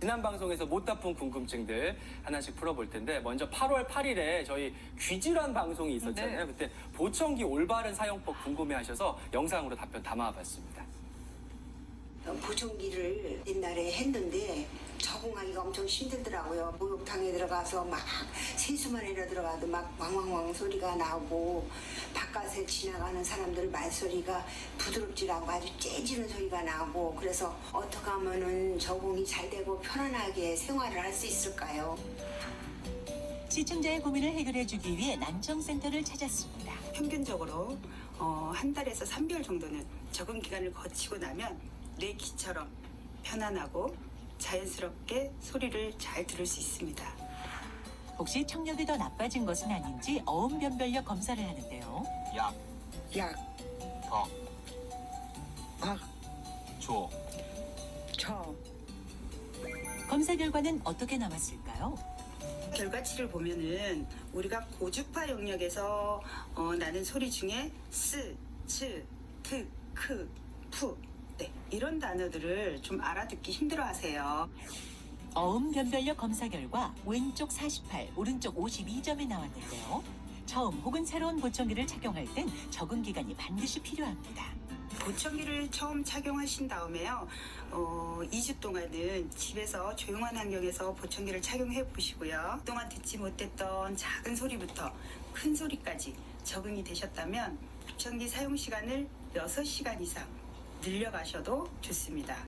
지난 방송에서 못다 푼 궁금증들 하나씩 풀어볼 텐데 먼저 8월 8일에 저희 귀질환 방송이 있었잖아요. 네. 그때 보청기 올바른 사용법 궁금해하셔서 영상으로 답변 담아봤습니다. 보청기를 옛날에 했는데 적응하기가 엄청 힘들더라고요. 목욕탕에 들어가서 막 세수만이라 들어가도 막 왕왕왕 소리가 나고 바깥에 지나가는 사람들 말소리가 부드럽지 않고 아주 째지는 소리가 나고 그래서 어떻게 하면은 적응이 잘 되고 편안하게 생활을 할 수 있을까요? 시청자의 고민을 해결해주기 위해 난청센터를 찾았습니다. 평균적으로 한 달에서 3개월 정도는 적응 기간을 거치고 나면 내 귀처럼 편안하고 자연스럽게 소리를 잘 들을 수 있습니다. 혹시 청력이 더 나빠진 것은 아닌지 어음변별력 검사를 하는데요. 약, 약, 덕, 박, 조. 저. 검사 결과는 어떻게 나왔을까요? 결과치를 보면은 우리가 고주파 영역에서 나는 소리 중에 스, 츠, 트, 크, 푸 네, 이런 단어들을 좀 알아듣기 힘들어하세요. 어음변별력 검사 결과 왼쪽 48, 오른쪽 52점이 나왔는데요. 처음 혹은 새로운 보청기를 착용할 땐 적응 기간이 반드시 필요합니다. 보청기를 처음 착용하신 다음에요. 2주 동안은 집에서 조용한 환경에서 보청기를 착용해 보시고요. 그동안 듣지 못했던 작은 소리부터 큰 소리까지 적응이 되셨다면 보청기 사용 시간을 6시간 이상 늘려가셔도 좋습니다.